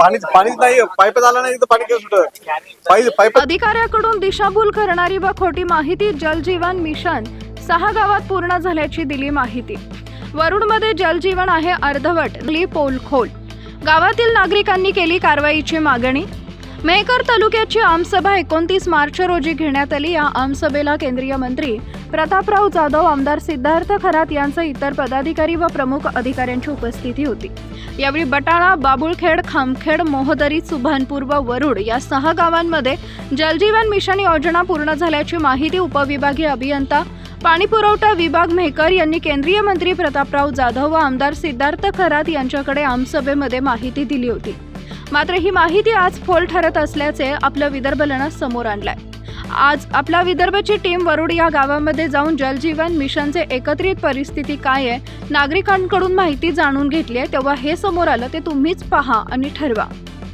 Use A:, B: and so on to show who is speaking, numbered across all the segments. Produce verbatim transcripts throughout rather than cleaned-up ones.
A: पाणी पाणीच नाही, पाईप झाला नाही तर पाणी कसं सुटत? पाईप पाईप
B: अधिकाऱ्याकडून दिशाभूल करणारी व खोटी माहिती. जलजीवन मिशन सहा गावात पूर्ण झाल्याची दिली माहिती. वरुडमध्ये जलजीवन आहे अर्धवट, पोलखोल. गावातील नागरिकांनी केली कारवाईची मागणी. मेहकर तालुक्याची आमसभा एकोणतीस मार्च रोजी घेण्यात आली. या आमसभेला केंद्रीय मंत्री प्रतापराव जाधव, आमदार सिद्धार्थ खरात यांसह इतर पदाधिकारी व प्रमुख अधिकाऱ्यांची उपस्थिती होती. यावेळी बटाळा, बाबुळखेड, खामखेड, मोहदरी, सुभानपूर व वरुड या सहा गावांमध्ये जलजीवन मिशन योजना पूर्ण झाल्याची माहिती उपविभागीय अभियंता पाणीपुरवठा विभाग मेहकर यांनी केंद्रीय मंत्री प्रतापराव जाधव व आमदार सिद्धार्थ खरात यांच्याकडे आमसभेमध्ये माहिती दिली होती. मात्र ही माहिती आज फोल ठरत असल्याचे आपलं विदर्भनं समोर आणलंय. आज आपला विदर्भची टीम वरुड या गावामध्ये जाऊन जलजीवन मिशनचे एकत्रित परिस्थिती काय आहे, नागरिकांकडून माहिती जाणून घेतली आहे. तेव्हा हे समोर आलं, ते तुम्हीच पहा आणि ठरवा.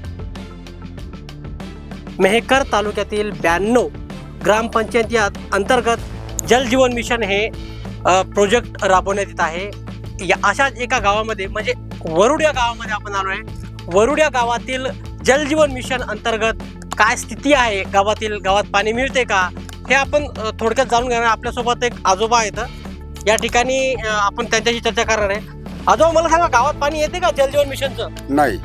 C: मेहकर तालुक्यातील ब्याण्णव ग्रामपंचायती अंतर्गत जलजीवन मिशन हे प्रोजेक्ट राबवण्यात येत आहे. या अशाच एका गावामध्ये म्हणजे वरुड या गावामध्ये आपण आलो आहे. वरुड या गावातील जलजीवन मिशन अंतर्गत काय स्थिती आहे, गावातील गावात पाणी मिळते का, हे आपण थोडक्यात जाणून घेणार. आपल्यासोबत एक आजोबा आहेत. या ठिकाणी आपण त्यांच्याशी चर्चा करणार आहे. आजोबा, मला सांगा, गावात पाणी येते का जलजीवन मिशनचं?
D: नाही,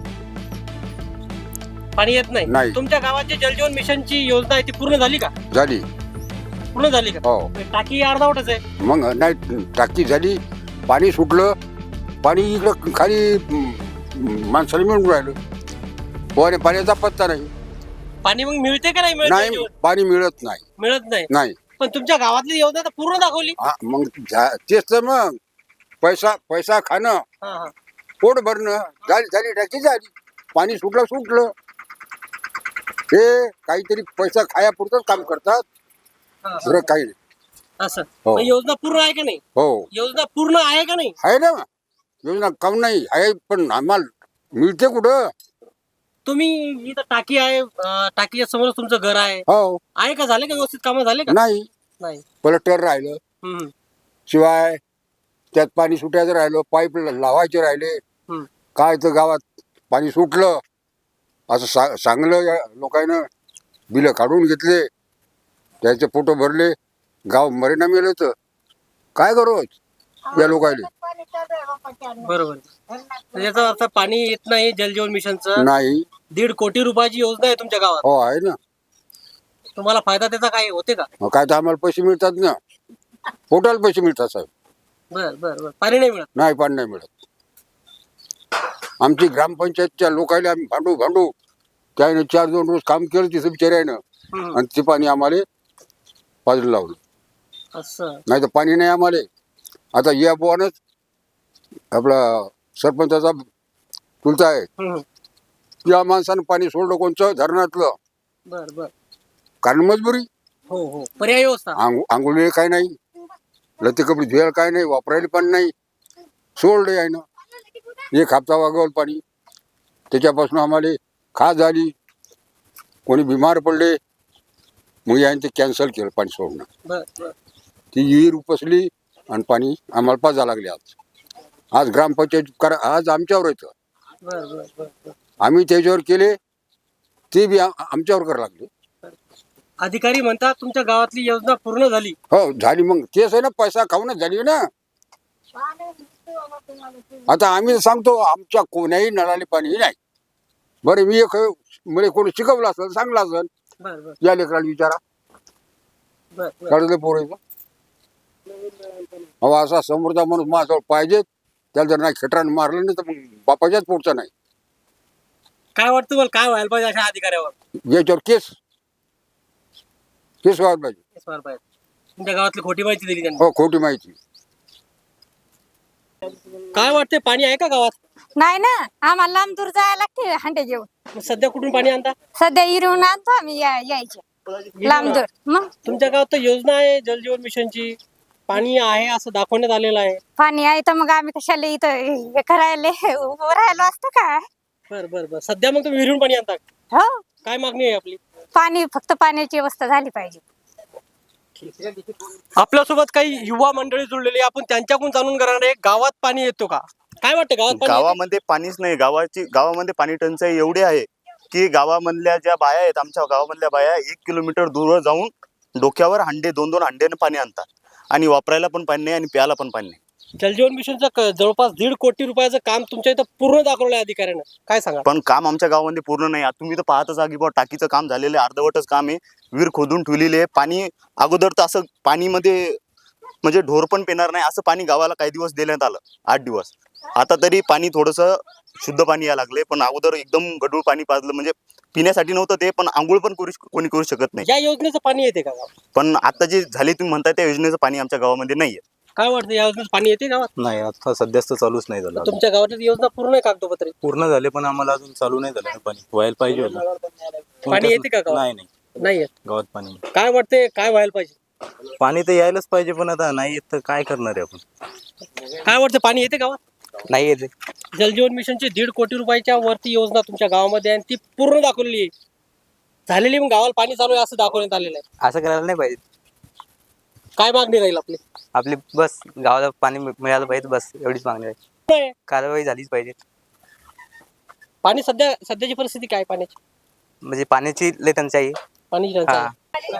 C: पाणी येत नाही.
D: नाही.
C: तुमच्या गावाची जलजीवन मिशनची योजना आहे ती पूर्ण झाली का?
D: झाली.
C: पूर्ण झाली का?
D: हो.
C: टाकी अर्धावटच आहे.
D: मग नाही, टाकी झाली, पाणी सुटलं, पाणी इकडं खाली माणसाला मिळून राहिलं. पोहाने पाण्याचा पत्ता नाही.
C: पाणी मग मिळते का नाही?
D: नाही, पाणी मिळत नाही.
C: मिळत नाही.
D: नाही.
C: पण तुमच्या गावातली योजना तर पूर्ण दाखवली.
D: हा, मग झा- तेच तर मग पैसा पैसा खाणं,
C: हा, हा.
D: पोट भरणं, झाली झाली टाकी झाली, पाणी सुटलं सुटलं. हे काहीतरी पैसा खायापुरतच काम करतात,
C: हा, हा.
D: दुसरं काही नाही.
C: असं.
D: हो.
C: मग योजना पूर्ण आहे का नाही?
D: हो,
C: योजना पूर्ण आहे का नाही?
D: आहे ना योजना. काऊन नाही आहे, पण आम्हाला मिळते कुठं?
C: तुम्ही इथं टाकी आहे, अं, टाकीच्या समोर तुमचं घर आहे.
D: हो.
C: आहे का? झाले का व्यवस्थित कामं झाले का?
D: नाही,
C: नाही.
D: पलटर राहिलं,
C: हम्म,
D: शिवाय त्यात पाणी सुटायचं राहिलं, पाईप लावायचे राहिले.
C: हम्म.
D: काय तर गावात पाणी सुटलं असं सा सांगलं या लोकांनं, बिलं काढून घेतले, त्याचे फोटो भरले, गाव मरेना मेलं. तर काय करू या लोकांनी?
C: बरोबर. तर याचा अर्थ पाणी येत नाही जलजीवन मिशनचं.
D: नाही.
C: दीड कोटी रुपयाची योजना आहे तुमच्या गावात.
D: हो, आहे ना.
C: तुम्हाला फायदा त्याचा काय होते का?
D: मग काय तर आम्हाला पैसे मिळतात ना, पोटाला पैसे मिळतात साहेब.
C: बर बर बर. पाणी नाही मिळत.
D: नाही, पाणी नाही मिळत. आमची ग्रामपंचायतच्या लोकांना आम्ही भांडू भांडू त्याने चार दोन रोज काम केलं तिथं बिचाऱ्यानं,
C: हम्म.
D: आणि ते पाणी आम्हाला बाजूला लावलं.
C: असं.
D: नाही तर पाणी नाही आम्हाला. आता या बोवानच आपला सरपंचाचा चुलता आहे,
C: हम्म.
D: या माणसानं पाणी सोडलं कोणचं धरणातलं,
C: बर बर.
D: कारण मजबुरी.
C: हो हो. पर्याय व्यवस्था.
D: आंघो आंघोळीला काय नाही, लते कपडे धुवायला काय नाही, वापरायला पण नाही, सोडलं आहे ना. एक हप्ता वागवलं पाणी, त्याच्यापासून आम्हाला खास झाली, कोणी बिमार पडले, मग याने ते कॅन्सल केलं पाणी सोडणं.
C: बर बर.
D: ती विहीर उपसली आणि पाणी आम्हाला पाजा लागले. आज आज ग्रामपंचायत करा, आज आमच्यावर येतं.
C: बर बर बर बर.
D: आम्ही त्याच्यावर केले, ते बी आ- आमच्यावर करायला लागले.
C: अधिकारी म्हणतात तुमच्या गावातली योजना पूर्ण झाली.
D: हो, झाली. मग तेच आहे ना, पैसा खाऊनच झाली ना. आता आम्ही सांगतो आमच्या कोण्याही नळाले पाणी नाही. बरं, मी एक म्हणजे कोणी शिकवलं असेल, सांगलं असेल,
C: बर बर
D: या लेकराला विचारा,
C: बर बर.
D: कळलं पोरायचं. अहो, असा समोरचा माणूस माझ्याजवळ पाहिजे, त्याला जर नाही खेटरानं मारलं नाही तर मग बापाच्याच पोटचा नाही.
C: काय वाटतं मला, काय व्हायला पाहिजे अशा अधिकाऱ्यावर?
D: याच्यावर केस केस व्हायला पाहिजे.
C: केस व्हायला पाहिजे. तुमच्या गावातली खोटी माहिती दिली त्यांनी.
D: हो, खोटी माहिती.
C: काय वाटते, पाणी आहे का गावात?
E: नाही ना, आम्हाला लांब दूर जायला लागते हांडे घेऊन.
C: मग सध्या कुठून पाणी आणता?
E: सध्या इरून आणतो आम्ही या- यायचे लांब दूर. मग
C: तुमच्या गावात तर योजना आहे जलजीवन मिशनची, पाणी आहे असं दाखवण्यात आलेलं आहे.
E: पाणी आहे तर मग आम्ही कशाला इथं हे करायला उभं राहिलो असतं का?
C: बर बर बर. सध्या मग तुम्ही विहिरून पाणी आणता?
E: हो,
C: काय मागणी आहे आपली?
E: पाणी फक्त पाण्याची व्यवस्था झाली पाहिजे.
C: आपल्यासोबत काही युवा मंडळी जुळलेली आहे. आपण त्यांच्याकडून जाणून घेणार आहे, गावात पाणी येतो का? काय वाटतं गावात पाणी येते?
F: गावामध्ये पाणीच नाही. गावाची गावामध्ये पाणी टंचाई एवढी आहे की गावामधल्या ज्या बाया आहेत, आमच्या गावामधल्या बाया एक किलोमीटर दूर जाऊन डोक्यावर हांडे दोन दोन हांड्याने पाणी आणतात आणि वापरायला पण पाणी नाही आणि प्यायला पण पाणी नाही.
C: जलजीवन मिशनचं क- जवळपास दीड कोटी रुपयाचं काम तुमच्या इथं पूर्ण दाखवलं आहे अधिकाऱ्यानं, काय सांगा?
F: पण काम आमच्या गावामध्ये पूर्ण नाही. आता तुम्ही तर पाहतच आहात की बुवा टाकीचं काम झालेलं आहे, अर्धवटच काम आहे. विहीर खोदून ठेवलेली आहे. पाणी अगोदर तर असं पाणीमध्ये म्हणजे ढोर पण पिणार नाही असं पाणी गावाला काही दिवस देण्यात आलं, आठ दिवस. आता तरी पाणी थोडंसं शुद्ध पाणी यायला लागले, पण अगोदर एकदम गढूळ पाणी पाजलं. म्हणजे पिण्यासाठी नव्हतं ते, पण आंघोळ पण करू कोणी करू शकत नाही.
C: या योजनेचं पाणी येते का गावात?
F: पण आता जे झाले तुम्ही म्हणताय त्या योजनेचं पाणी आमच्या गावामध्ये नाहीये.
C: काय वाटतं, या योजनेचं पाणी येते गावात?
A: नाही, आता सध्याच तर चालूच नाही झालं.
C: तुमच्या गावाची योजना पूर्ण आहे कागदोपत्री?
A: पूर्ण झाले पण आम्हाला अजून चालू नाही झालं पाणी. व्हायला पाहिजे होतं.
C: पाणी येते का गावात?
A: नाही नाही,
C: नाही येत.
A: गावात पाणी नाही.
C: काय वाटते, काय व्हायला पाहिजे?
A: पाणी तर यायलाच पाहिजे, पण आता नाही येत तर काय करणार आहे आपण.
C: काय वाटतं, पाणी येते गावात?
A: नाही येते.
C: जलजीवन मिशनची दीड कोटी रुपयाच्या वरती योजना तुमच्या गावामध्ये आहे आणि ती पूर्ण दाखवलेली आहे, झालेली, मग गावाला पाणी चालू आहे असं दाखवण्यात आलेलं आहे.
G: असं करायला नाही पाहिजे.
C: काय मागणी राहील आपली?
G: आपली बस गावाला पाणी मि- मिळालं पाहिजे, बस एवढीच मागणी आहे.
C: काय?
G: कारवाई झालीच पाहिजे.
C: पाणी सध्या सध्याची परिस्थिती काय पाण्याची?
G: म्हणजे पाण्याची लय टंचाई आहे.
C: पाणी टंचाई.
G: हा.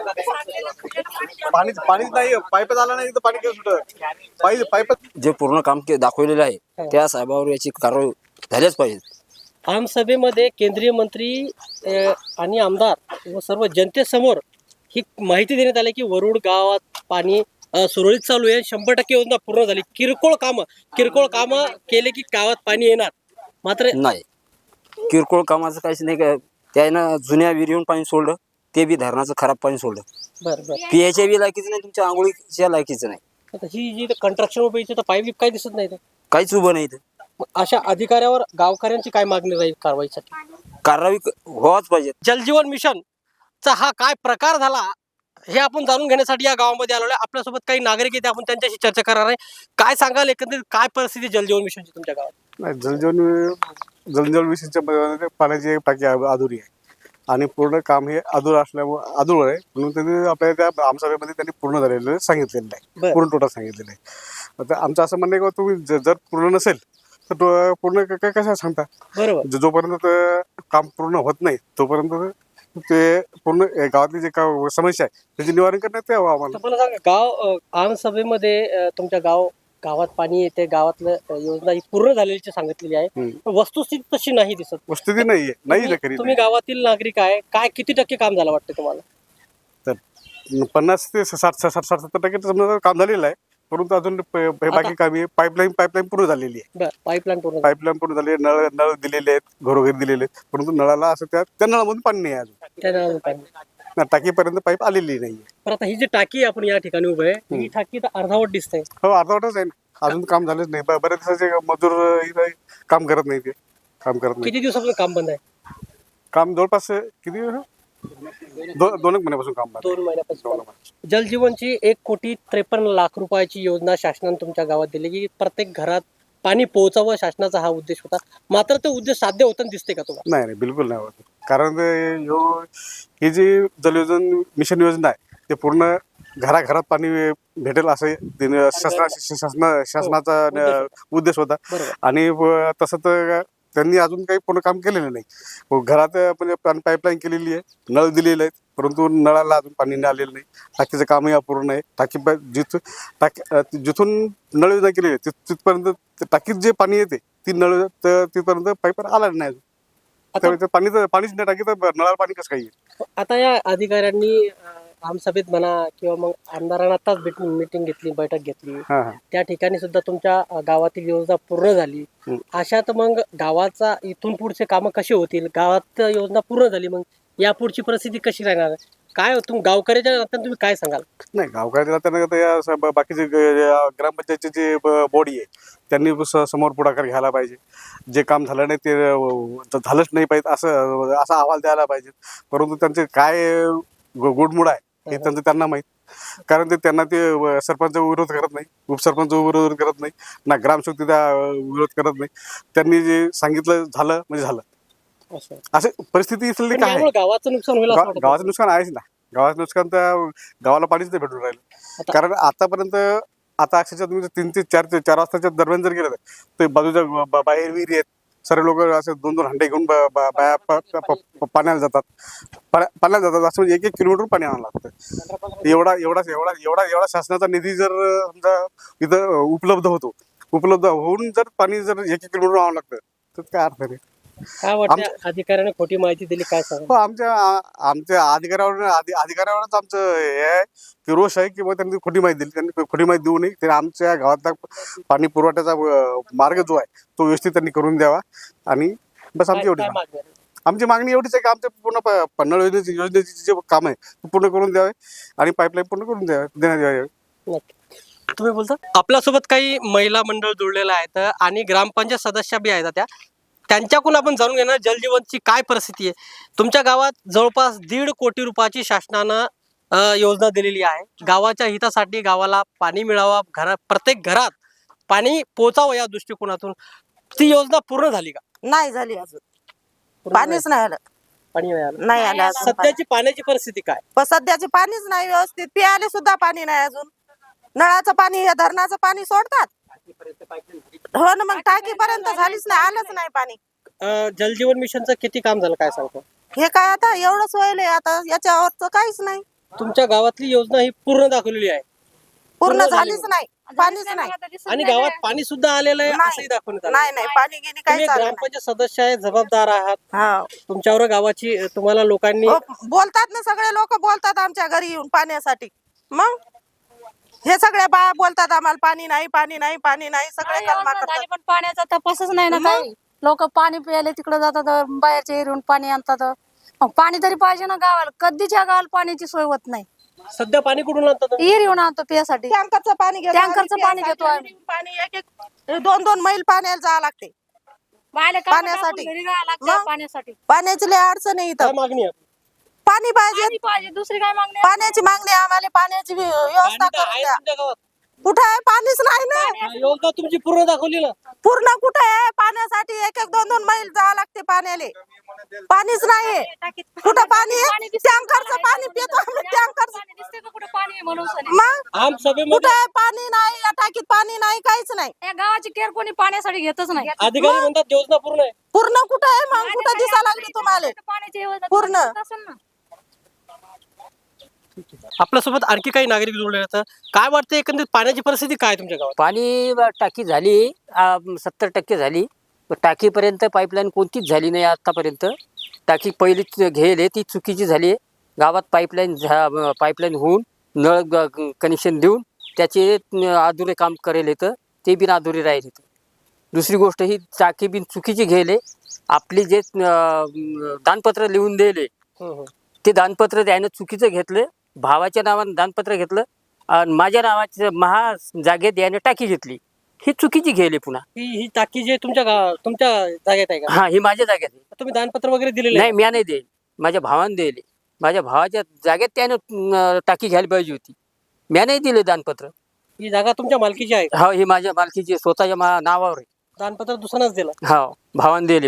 A: पाणी पाणीच नाही. पाईप झाला नाही तर पाणी कसं सुटत. पाईप पाईप
H: जे पूर्ण काम के दाखवलेलं आहे त्या साहेबावर याची कारवाई झाल्याच पाहिजे.
C: आमसभेमध्ये केंद्रीय मंत्री अ, आणि आमदार व सर्व जनतेसमोर ही माहिती देण्यात आली की वरुड गावात पाणी अ, सुरळीत चालू आहे, शंभर टक्के योजना पूर्ण झाली. किरकोळ कामं किरकोळ कामं केले की गावात पाणी येणार. मात्र
H: नाही, किरकोळ कामाचं काहीच नाही. काय त्यानं जुन्या विहिरीहून पाणी सोडलं, ते बी धरणाचं खराब पाणी सोडलं.
C: बरं बरं
H: पियाच्या बी लायकीचं नाही, तुमच्या आंघोळीच्या लायकीचं नाही.
C: आता ही जी कंस्ट्रक्शन उभं इथे तर पाईप काय दिसत नाही.
H: काहीच उभं नाही इथं.
C: मग अशा अधिकाऱ्यावर गावकऱ्यांची काय मागणी राहील कारवाईसाठी?
H: कारवाई क- व्हावाच पाहिजे.
C: जलजीवन मिशनचा हा काय प्रकार झाला हे आपण जाणून घेण्यासाठी या गावामध्ये आलेलो आहे. आपल्यासोबत काही नागरिक आहेत, आपण त्यांच्याशी चर्चा करणार आहे. काय सांगाल, एकंदरीत काय परिस्थिती जलजीवन मिशनची तुमच्या गावात?
I: नाही, जलजीवन जलजीवन मिशनच्या मध्ये पाण्याची एक टाकी अ- अधुरी आहे आणि पूर्ण काम हे अधूर असल्यामुळे अधूर आहे, म्हणून त्यांनी आपल्या त्या आमसभेमध्ये त्यांनी पूर्ण झालेलं सांगितलेलं आहे.
C: बरं.
I: पूर्ण टोटल सांगितलेलं आहे. आता आमचं असं म्हणणं आहे की तुम्ही ज- जर पूर्ण नसेल तर तो पूर्ण क- क- कसं सांगता.
C: बरोबर.
I: ज- जोपर्यंत ते काम पूर्ण होत नाही तोपर्यंत ते पूर्ण ए, गावातली जे का समस्या आहे त्याचे निवारण करण्यात यावं आम्हाला.
C: तर मला सांगा, गाव अ, आमसभेमध्ये अ, तुमच्या गाव गावात पाणी येते, गावातलं अ, योजना ही पूर्ण झालेली सांगितलेली आहे,
I: हम्म.
C: पण वस्तुस्थिती तशी नाही दिसत.
I: वस्तुस्थिती नाहीये, नाही ना
C: तुम्ही
I: खरी
C: तुम्ही गावातील नागरिक आहे, काय किती टक्के काम झालं वाटतं तुम्हाला?
I: नाही. पन्नास ते साठ साठ साठ सत्तर टक्के तर समजा काम झालेलं आहे, परंतु अजून प- हे बाकी कामी पाईपलाईन पाईपलाईन पूर्ण झालेली आहे.
C: बरं, पाईपलाईन पूर्ण झाली.
I: पाईपलाईन पूर्ण झाली, नळ नळ दिलेले आहेत, घरोघरी दिलेले आहेत, परंतु नळाला असं त्या त्या नळामधून पाणी नाही आहे अजून.
C: त्यानं अजून पाणी नाही.
I: ना टाकीपर्यंत पाईप आलेली नाहीये.
C: पण आता ही जी टाकी आपण या ठिकाणी उभे आहे, ही टाकी तर अर्धावट दिसते.
I: हो, अर्धवटच आहे ना, अजून काम झालंच नाही. ब- बऱ्याच दिवसाचे मजूर इथे काम करत नाही, ते काम करत नाही.
C: किती दिवसापासून काम बंद आहे?
I: काम जवळपास किती दो- दोन एक महिन्यापासून काम बंद आहे.
C: दोन महिन्यापासून. जलजीवनची एक कोटी त्रेपन्न लाख रुपयाची योजना शासनाने तुमच्या गावात दिली की प्रत्येक घरात पाणी पोहोचावं, शासनाचा हा उद्देश होता. मात्र तो उद्देश साध्य होताना दिसते का तुम्हाला?
I: नाही नाही, बिलकुल नाही होत. कारण ते ह्यो ही जी जलयोजन मिशन योजना आहे ते पूर्ण घराघरात पाणी भेटेल असं तिने शासना शासना शासनाचा न- उद्देश होता.
C: बरोबर.
I: आणि व तसं तर त्यांनी अजून काही पूर्ण काम केलेलं नाही. व घरात म्हणजे पाणी पाईपलाईन केलेली आहे, नळ दिलेले आहेत, परंतु नळाला अजून पाणी नाही आलेलं नाही. टाकीचं कामही अपूर्ण आहे. टाकी प- जिथून टाकी अ, जिथून नळ योजना केलेली आहे तिथ- तिथपर्यंत ते टाकीत जे पाणी येते ती नळ त- तिथपर्यंत पाईप आला नाही अजून.
C: आता
I: त्यामुळे ते पाणी तर पाणीच नाही टाकी तर नळाला पाणी कसं काय येईल?
C: आता या अधिकाऱ्यांनी अ, आमसभेत म्हणा किंवा मग आमदारांना आताच भेट मीटिंग घेतली, बैठक घेतली,
I: हा हा
C: त्या ठिकाणी सुद्धा तुमच्या अ, गावातील योजना पूर्ण झाली.
I: हम्म.
C: अशात मग गावाचा इथून पुढचे कामं कशी होतील? गावात योजना पूर्ण झाली, मग या पुढची परिस्थिती कशी राहणार? काय तुम्ही गावकऱ्याच्या नात्याने तुम्ही काय सांगाल?
I: नाही, गावकऱ्याला त्यांना आता या स- ब- बाकीचे ग- या ग्रामपंचायतची जी बॉडी आहे त्यांनी स- समोर पुढाकार घ्यायला पाहिजे. जे काम झालं नाही ते अ, झालंच नाही पाहिजे असं असा अहवाल द्यायला पाहिजे. परंतु त्यांचे काय गु- गुडमुड आहे हे त्यांचं त्यांना माहीत. कारण ते त्यांना ते व- सरपंच विरोध करत नाही, उपसरपंच विरोध करत नाही, ना ग्रामसेवक त्या विरोध करत नाही. त्यांनी जे सांगितलं झालं म्हणजे झालं.
C: असं
I: असे परिस्थिती इथली
C: पण
I: काय आहे.
C: यामुळे गावाचं नुकसान होईल असं
I: गा-
C: वाटतं
I: गावाचं नुकसान आहेच ना. गावाचं नुकसान तर गावाला पाणीच नाही भेटून राहिलं.
C: आता-
I: कारण आतापर्यंत आता अक्षरशः तुम्ही जर तीन ते चार ते चार वाजताच्या दरम्यान जर गेलं तर बाजूच्या बा- बाहेर विहिरी आहेत, सर्व लोक असे दोन दोन हंडे घेऊन ब- ब- बाया प- प- प- पाण्याला जातात पाण्या- पाण्याला जातात असं म्हणजे एक एक किलोमीटर पाणी आणावं लागतं. एवढा एवढा एवढा एवढा एवढा शासनाचा निधी जर समजा इथं उपलब्ध होतो, उपलब्ध होऊन जर पाणी जर एक एक किलोमीटर आणावं लागतं तर काय अर्थ नाही.
C: काय वाटतं अधिकाऱ्याने खोटी माहिती दिली काय सांगा?
I: हो, आमच्या आ- आमच्या अधिकाऱ्यावर अधि- अधिकाऱ्यावरच आमचं हे आहे की रोष आहे की बा त्यांनी खोटी माहिती दिली. त्यांनी खोटी माहिती देऊ नये. त्यांनी आमच्या गावातला पाणी पुरवठ्याचा अं, मार्ग जो आहे तो व्यवस्थित त्यांनी करून द्यावा आणि बस आमची
C: काय-
I: एवढी
C: काय मागणी आहे?
I: आमची मागणी एवढीच आहे की आमचे पूर्ण प- पन्हाळ योजनेचे योजनेचे जे काम आहे ते पूर्ण करून द्यावे आणि पाईपलाईन पूर्ण करून द्यावे देण्यात यावे.
C: नक्की. तुम्ही बोलता आपल्यासोबत काही महिला मंडळ जुळलेलं आहेत आणि ग्रामपंचायत सदस्य बी आहेत त्या त्यांच्याकडून आपण जाणून घेणार जलजीवनची काय परिस्थिती आहे. तुमच्या गावात जवळपास दीड कोटी रुपयाची शासनानं अ, योजना दिलेली आहे. गावाच्या हितासाठी गावाला पाणी मिळावा, घरा प्रत्येक घरात पाणी पोचावं या दृष्टिकोनातून ती योजना पूर्ण झाली का?
J: नाही झाली अजून,
C: पूर्ण
J: पाणीच नाही आलं,
C: पाणी नाही आलं.
J: नाही आलं अजून पाणी.
C: सध्याची पाण्याची परिस्थिती काय?
J: पण सध्याचे पाणीच नाही व्यवस्थित, प्यायला सुद्धा पाणी नाही अजून. नळाचं पाणी हे धरणाचं पाणी सोडतात हो ना, मग टाकीपर्यंत झालीच नाही, आलंच नाही पाणी.
C: अ, जलजीवन मिशनचं किती काम झालं काय सांगतो?
J: हे काय आता एवढंच व्हायलंय, आता याच्यावरच काहीच नाही,
C: तुमच्या गावातली योजना ही पूर्ण दाखवलेली आहे
J: पूर्ण
C: पूर्ण
J: झालीच नाही, पाणीच नाही,
C: आणि गावात पाणी सुद्धा आलेलं आहे
J: नाही.
C: असंही दाखवण्यात आलं.
J: नाही नाही पाणी गेली
C: तुम्ही
J: काही चाललं नाही.
C: ग्रामपंचायत सदस्य आहे, जबाबदार आहात.
J: हा.
C: तुमच्यावर गावाची तुम्हाला लोकांनी
J: हो, बोलतात ना सगळे लोक बोलतात आमच्या घरी येऊन पाण्यासाठी. मग हे सगळे बाया बोलतात आम्हाला पाणी नाही, पाणी नाही, पाणी नाही, सगळे कलमा करतात.
E: पण पाण्याचा तपासच नाही ना काही. लोक पाणी प्यायला तिकडे जातात, बाहेरच्या एरियाहून पाणी आणतात. मग पाणी तरी पाहिजे ना गावाला. कधीच्या गावाला पाण्याची सोय होत नाही.
C: सध्या पाणी कुठून आणता तुम्ही?
E: एरियाहून आणतो पियासाठी.
J: टँकरचं पाणी घेतो
E: टँकरचं
J: आम्ही
E: पाणी
J: प्यायसाठी.
E: घेतो आम्ही.
J: पाणी एक एक दोन दोन मैल पाण्याला जावं लागते पाण्यासाठी. मग?
E: पाण्यासाठी
J: पाण्याची लय अडचण आहे
C: काय
J: इथं.
C: मागणी आहे?
J: पाणी पाहिजे,
E: पाहिजे, दुसरी काय मागणी?
J: पाण्याची मागणी आहे आम्हाला, पाण्याची व्य- व्यवस्था
C: पाणी तर
J: करून
C: आहे
J: द्या.
C: तुमच्या गावात.
J: कुठं आहे पाणीच नाही ना,
C: योजना तुमची पूर्ण दाखवली ना.
J: पूर्ण कुठं आहे पाण्यासाठी एक एक दोन दोन मैल जावं लागते पाण्याले. पाणीच नाही, कुठं पाणी आहे? टँकरचं पाणी पितो आम्ही, टँकरचं. मग
C: आम सभेमध्ये
J: कुठं आहे पाणी नाही, या टाकीत पाणी नाही, काहीच नाही.
E: या गावाची केअर कोणी पाण्यासाठी घेतच नाही.
C: अधिकारी म्हणतात योजना पूर्ण आहे.
J: पूर्ण कुठं आहे मग, कुठं दिसा लागली तुम्हाला
E: पाण्याची व्यवस्था
J: पूर्ण?
E: असेल ना.
C: आपल्यासोबत आणखी काही नागरिक जोडले आहेत. काय वाटतं एकंदरीत पाण्याची परिस्थिती काय आहे तुमच्या गावात?
H: पाणी टाकी झाली सत्तर टक्के झाली, टाकीपर्यंत पाईपलाईन कोणतीच झाली नाही आतापर्यंत. टाकी पहिलीच घेले ती चुकीची झाली आहे. गावात पाईपलाईन झा पाईपलाईन होऊन नळ कनेक्शन देऊन त्याचे अधुरे काम करेल येतं, ते बिन अधुरे राहील येतं. दुसरी गोष्ट ही टाकी बिन चुकीची घेले. आपली जे अं, दानपत्र लिहून दिले ते दानपत्र त्यानं चुकीचं घेतलं, भावाच्या नावानं दानपत्र घेतलं आणि माझ्या नावाच्या महा जागेत याने टाकी घेतली, ही चुकीची घेले पुन्हा.
C: ही ही टाकी जी तुमच्या गाव तुमच्या जागेत आहे का?
H: हा, ही माझ्या जागेत आहे.
C: तुम्ही दानपत्र वगैरे दिलेले
H: नाही, म्या नाही देईल, माझ्या भावाने दिले. माझ्या भावाच्या जागेत त्यानं अं, टाकी घ्यायला पाहिजे होती, म्या नाही दिले दानपत्र.
C: ही जागा तुमच्या मालकीची आहे का?
H: हा, ही माझ्या मालकीची स्वतःच्या मा नावावर आहे.
C: दानपत्र दुसऱ्याच दिलं.
H: हा, भावाने दिले.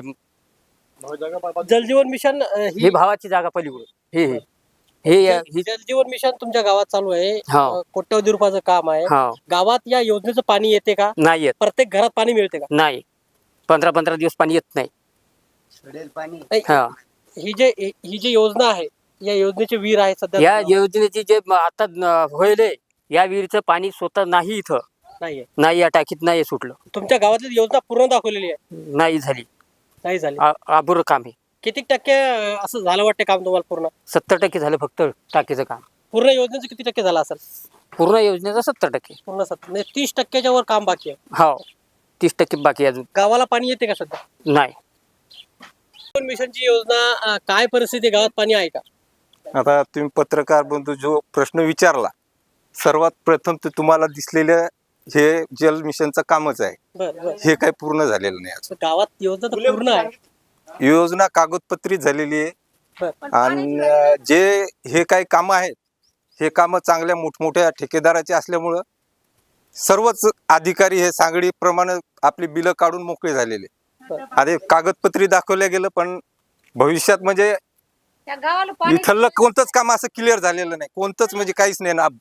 C: जलजीवन मिशन अ,
H: ही
C: ही
H: भावाची जागा पलीकडून हे हे हे या- ही
C: जलजीवन मिशन तुमच्या गावात चालू आहे.
H: हा.
C: अ, कोट्यवधी रुपयाचं काम आहे.
H: हा,
C: गावात या योजनेचं पाणी येते का?
H: नाही येत,
C: प्रत्येक घरात पाणी मिळते का?
H: नाही. पंधरा पंधरा दिवस पाणी येत नाही.
C: नाही,
H: हा,
C: ही जे ही जी योजना आहे या योजनेचे वीर आहे सध्या
H: या योजनेची जे म- आता न- होईल या विहिरीचं पाणी स्वतः नाही इथं,
C: नाहीये.
H: नाही या टाकीत नाही सुटलं,
C: तुमच्या गावातली योजना पूर्ण दाखवलेली आहे.
H: नाही झाली.
C: नाही झाली.
H: आ- अपुरं काम आहे.
C: किती टक्के अ, असं झालं वाटतं काम तुम्हाला पूर्ण?
H: सत्तर टक्के झालं फक्त टाकीचं काम.
C: पूर्ण योजनेचं किती टक्के झालं असेल?
H: पूर्ण योजनेचं सत्तर टक्के.
C: पूर्ण सत्तर म्हणजे तीस टक्क्याच्या वर काम बाकी आहे.
H: हो, तीस टक्के बाकी अजून
C: गावाला पाणी येते का सध्या?
H: नाही.
C: जलजीवन मिशनची योजना अ, काय परिस्थिती आहे? गावात पाणी आहे का?
K: आता तुम्ही पत्रकार बंधू जो प्रश्न विचारला, सर्वात प्रथम तर तुम्हाला दिसलेलं हे जल मिशनचं कामच आहे.
C: बरं बरं.
K: हे काही पूर्ण झालेलं नाही अजून.
C: गावात योजना तर पूर्ण आहे.
K: योजना कागदपत्री झालेली आहे
C: बरं.
K: आणि अं, जे हे काही कामं आहेत हे कामं चांगल्या मोठमोठ्या ठेकेदाराचे असल्यामुळं सर्वच अधिकारी हे सांगडीप्रमाणे आपली बिलं काढून मोकळे झालेले. आधी कागदपत्री दाखवल्या गेलं, पण भविष्यात म्हणजे
E: या गावाला पाणी
K: इथलं कोणतंच काम असं क्लिअर झालेलं नाही, कोणतंच म्हणजे काहीच नाही ना.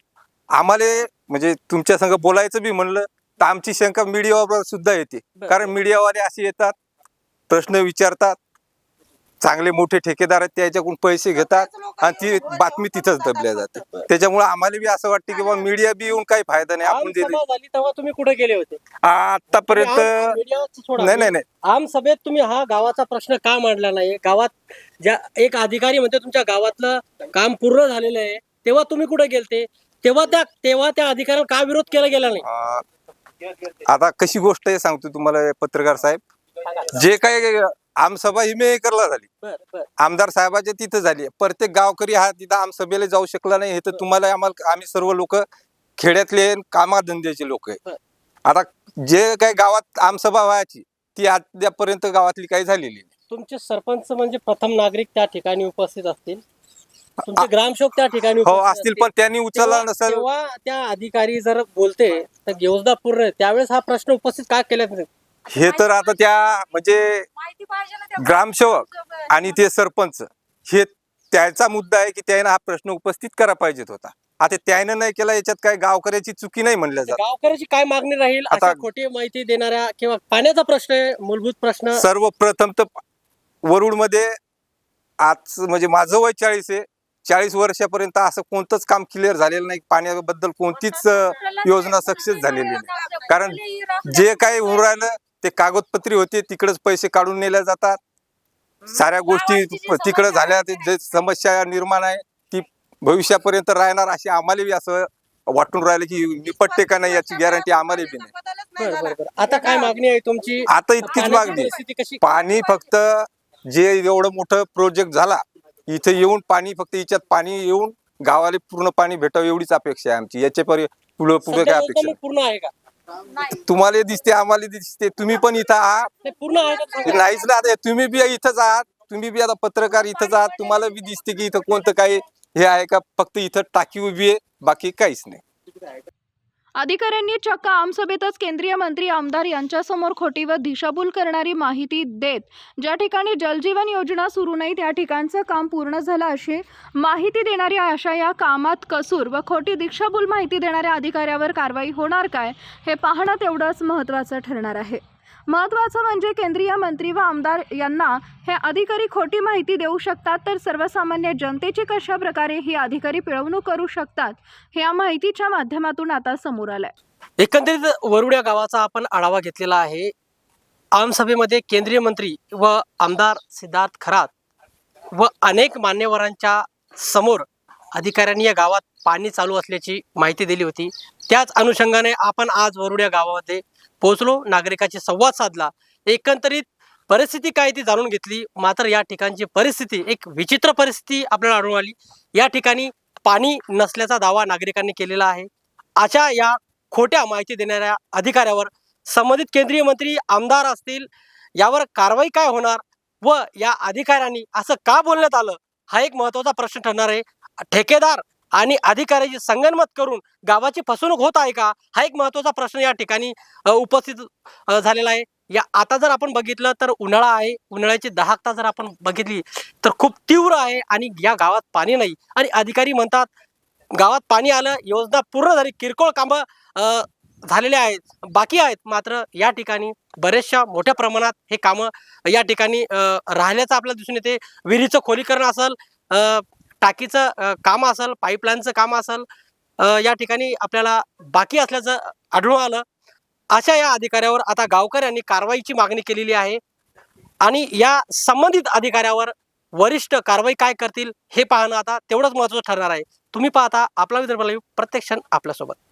K: आम्हाला म्हणजे तुमच्या संग बोलायचं बी म्हणलं तर आमची शंका मीडियावर सुद्धा येते. कारण मीडियावाले असे येतात, प्रश्न विचारतात, चांगले मोठे ठेकेदार आहेत त्याच्याकडून पैसे घेतात आणि ती बातमी तिथंच दबल्या जाते. त्याच्यामुळे आम्हाला बी असं वाटतं की बाबा मीडिया बी येऊन काही फायदा नाही. आपण
C: आमसभा झाली तेव्हा तुम्ही कुठे गेले होते?
K: आतापर्यंत
C: आम- मीडियाचं सोडा.
K: नाही नाही नाही
C: आम सभेत तुम्ही हा गावाचा प्रश्न का मांडला नाही? गावात ज्या एक अधिकारी म्हणते तुमच्या गावातलं काम पूर्ण झालेलं आहे, तेव्हा तुम्ही कुठे गेलते? तेव्हा त्या तेव्हा त्या अधिकाऱ्याला का विरोध केला गेला नाही?
K: अं, आता कशी गोष्ट आहे सांगतो तुम्हाला पत्रकार साहेब. जे काही आमसभा ही मेकरला झाली,
C: बर बर
K: आमदार साहेबाच्या तिथं झाली. प्रत्येक गावकरी हा तिथं आमसभेला जाऊ शकला नाही. हे तर तुम्हाला आम्हाला आम्ही सर्व लोक खेड्यातले कामाधंद्याचे लोक आहे. आता जे काही गावात आमसभा व्हायची ती अद्यापर्यंत गावातली काही झालेली नाही.
C: तुमचे सरपंच म्हणजे प्रथम नागरिक त्या ठिकाणी उपस्थित असतील, तुमचे ग्रामसेवक त्या ठिकाणी
K: हो
C: उपस्थित
K: असतील, पण त्यांनी उचलला
C: तेव्हा
K: नसेल.
C: तेव्हा त्या अधिकारी जर बोलते तर घेऊसदा पूर्ण त्यावेळेस हा प्रश्न उपस्थित का केला नाही?
K: हे तर आता त्या म्हणजे
E: माहिती पाहिजे ना त्या
K: ग्रामसेवक आणि ते सरपंच हे त्याचा मुद्दा आहे की त्याने हा प्रश्न उपस्थित करा पाहिजेत होता. आता त्याने नाही केला, याच्यात काय गावकऱ्याची चुकी नाही म्हणल्या जात.
C: गावकऱ्याची काय मागणी राहील
K: आता-
C: अशा खोटी माहिती देणाऱ्या किंवा पाण्याचा प्रश्न आहे, मूलभूत प्रश्न.
K: सर्वप्रथम तर वरुड मध्ये आज म्हणजे माझं वय चाळीस आहे. चाळीस वर्षापर्यंत असं कोणतंच काम क्लिअर झालेलं नाही. पाण्याबद्दल कोणतीच अं, योजना सक्सेस झालेली नाही. कारण जे काही होऊन राहिलं ते कागदपत्री होते, तिकडेच पैसे काढून नेल्या जातात. साऱ्या गोष्टी तिकडे झाल्या. ते जे समस्या निर्माण आहे ती भविष्यापर्यंत राहणार अशी आम्हाला बी असं वाटून राहिलं की निपटते का नाही याची गॅरंटी आम्हाला बी नाही.
C: बरं, बरं, बरं. आता काय मागणी आहे तुमची?
K: आता इतकीच
C: पाण्याची
K: मागणी.
C: परिस्थिती कशी?
K: पाणी फक्त जे एवढं मोठं प्रोजेक्ट झाला इथे येऊन पाणी फक्त याच्यात पाणी येऊन गावाला पूर्ण पाणी भेटावं एवढीच अपेक्षा आहे आमची. याच्या पुढे पुढे
C: सध्या
K: काय
C: योजना
K: अपेक्षा
C: मग पूर्ण आहे का?
K: नाही. तुम्हाला दिसते, आम्हाला दिसते, तुम्ही पण इथं आहात.
C: ते पूर्ण आहे का सांगा?
K: नाहीच ना. आता तुम्ही बी इथंच आहात, तुम्ही बी आता पत्रकार इथंच आहात. तुम्हाला बी दिसते की इथं कोणतं काही हे आहे का? फक्त इथं टाकी उभी आहे, बाकी काहीच नाही.
B: अधिकाऱ्यांनी चक्क आमसभेतच केंद्रीय मंत्री आमदार यांच्यासमोर खोटी व दिशाभूल करणारी माहिती देत ज्या ठिकाणी जलजीवन योजना सुरू नाही त्या ठिकाणचं काम पूर्ण झालं अशी माहिती देणारी अशा या कामात कसूर व खोटी दिशाभूल माहिती देणाऱ्या अधिकाऱ्यावर कारवाई होणार काय हे पाहणं तेवढंच महत्त्वाचं ठरणार आहे. महत्त्वाचं म्हणजे केंद्रीय मंत्री व आमदार यांना हे अधिकारी खोटी माहिती देऊ शकतात, तर सर्वसामान्य जनतेची कशा प्रकारे ही अधिकारी पिळवणूक करू शकतात हे या माहितीच्या माध्यमातून आता समोर आलंय.
C: एकंदरीत वरुड या गावाचा आपण आढावा घेतलेला आहे. आमसभेमध्ये केंद्रीय मंत्री व आमदार सिद्धार्थ खरात व अनेक मान्यवरांच्या समोर अधिकाऱ्यांनी या गावात पाणी चालू असल्याची माहिती दिली होती. त्याच अनुषंगाने आपण आज वरुड या गावामध्ये पोहोचलो, नागरिकांशी संवाद साधला, एकंदरीत परिस्थिती काय ती जाणून घेतली. मात्र या ठिकाणची परिस्थिती एक विचित्र परिस्थिती आपल्याला आढळून आली. या ठिकाणी पाणी नसल्याचा दावा नागरिकांनी केलेला आहे. अशा या खोट्या माहिती देणाऱ्या अधिकाऱ्यावर संबंधित केंद्रीय मंत्री आमदार असतील यावर कारवाई काय होणार व या अधिकाऱ्यांनी असं का बोलण्यात आलं हा एक महत्त्वाचा प्रश्न ठरणार आहे. ठेकेदार आणि अधिकाऱ्याची संगनमत करून गावाची फसवणूक होत आहे का हा एक महत्त्वाचा प्रश्न या ठिकाणी अ, उपस्थित अ, झालेला आहे. या आता जर आपण बघितलं तर उन्हाळा आहे, उन्हाळ्याची दाहकता जर आपण बघितली तर खूप तीव्र आहे आणि या गावात पाणी नाही आणि अधिकारी म्हणतात गावात पाणी आलं, योजना पूर्ण झाली, किरकोळ कामं अ, झालेले आहेत, बाकी आहेत. मात्र या ठिकाणी बरेचशा मोठ्या प्रमाणात हे कामं या ठिकाणी अ, राहिल्याचं आपल्याला दिसून येते. विहिरीचं खोलीकरण असेल, अ, टाकीचं अ, काम असेल, पाईपलाईनचं काम असेल, अ, या ठिकाणी आपल्याला बाकी असल्याचं आढळून आलं. अशा या अधिकाऱ्यावर आता गावकऱ्यांनी कारवाईची मागणी केलेली आहे आणि या संबंधित अधिकाऱ्यावर वरिष्ठ कारवाई काय करतील हे पाहणं आता तेवढंच महत्त्वाचं ठरणार आहे. तुम्ही पाहता आपला विदर्भ लाईव्ह, प्रत्येक क्षण आपल्यासोबत.